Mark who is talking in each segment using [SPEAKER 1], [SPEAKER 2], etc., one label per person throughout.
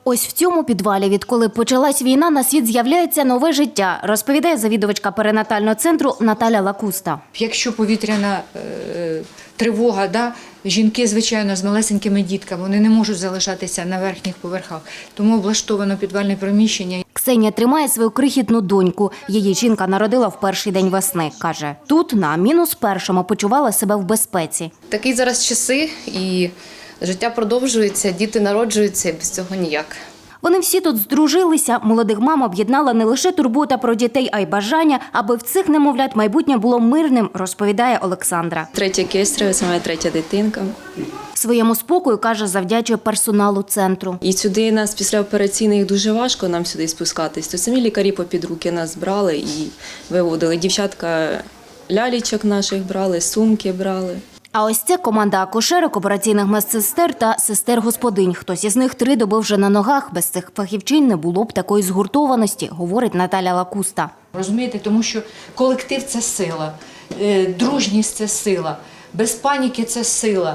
[SPEAKER 1] Ось в цьому підвалі, відколи почалась війна, на світ з'являється нове життя, розповідає завідувачка перинатального центру Наталя Лакуста.
[SPEAKER 2] Якщо повітряна тривога, жінки, звичайно, з малесенькими дітками, вони не можуть залишатися на верхніх поверхах. Тому облаштовано підвальне приміщення.
[SPEAKER 1] Ксенія тримає свою крихітну доньку. Її жінка народила в перший день весни. Каже, тут на -1 почувала себе в безпеці.
[SPEAKER 3] Такі зараз часи, і життя продовжується, діти народжуються, і без цього ніяк.
[SPEAKER 1] Вони всі тут здружилися. Молодих мам об'єднала не лише турбота про дітей, а й бажання, аби в цих немовлят майбутнє було мирним, розповідає Олександра.
[SPEAKER 4] Третя кесарева, це моя третя дитинка.
[SPEAKER 1] Своєму спокою, каже, завдячує персоналу центру.
[SPEAKER 4] І сюди нас після операційних дуже важко нам сюди спускатись. То самі лікарі попід руки нас брали і виводили. Дівчатка лялічок наших брали, сумки брали.
[SPEAKER 1] А ось це команда акушерок, операційних медсестер та сестер-господинь. Хтось із них 3 доби вже на ногах. Без цих фахівчинь не було б такої згуртованості, говорить Наталя Лакуста.
[SPEAKER 2] Розумієте, тому що колектив – це сила, дружність – це сила, без паніки – це сила,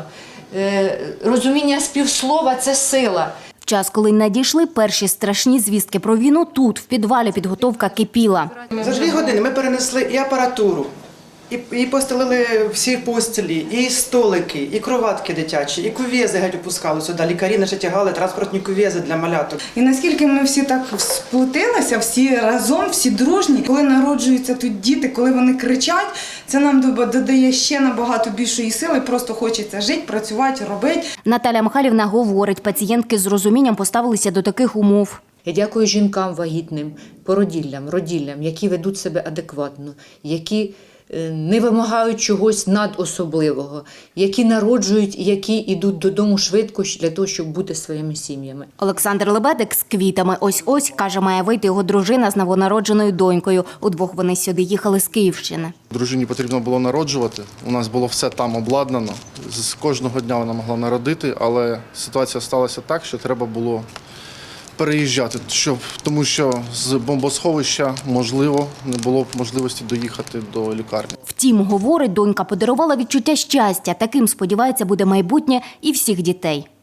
[SPEAKER 2] розуміння співслова – це сила.
[SPEAKER 1] В час, коли надійшли перші страшні звістки про війну, тут, в підвалі, підготовка кипіла.
[SPEAKER 5] За 2 години ми перенесли і апаратуру, і постелили всі постілі, і столики, і кроватки дитячі, і кув'єзи геть опускали сюди. Лікарі наші тягали транспортні кув'єзи для маляток.
[SPEAKER 6] І наскільки ми всі так сплотилися, всі разом, всі дружні, коли народжуються тут діти, коли вони кричать, це нам додає ще набагато більшої сили, просто хочеться жити, працювати, робити.
[SPEAKER 1] Наталя Михайлівна говорить, пацієнтки з розумінням поставилися до таких умов.
[SPEAKER 2] Я дякую жінкам вагітним, породіллям, роділлям, які ведуть себе адекватно, які не вимагають чогось надособливого, які народжують, які йдуть додому швидко для того, щоб бути своїми сім'ями.
[SPEAKER 1] Олександр Лебедик з квітами ось-ось, каже, має вийти його дружина з новонародженою донькою. Удвох вони сюди їхали з Київщини.
[SPEAKER 7] Дружині потрібно було народжувати. У нас було все там обладнано. З кожного дня вона могла народити, але ситуація сталася так, що треба було переїжджати, тому що з бомбосховища, можливо, не було б можливості доїхати до лікарні.
[SPEAKER 1] Втім, говорить, донька подарувала відчуття щастя. Таким, сподівається, буде майбутнє і всіх дітей.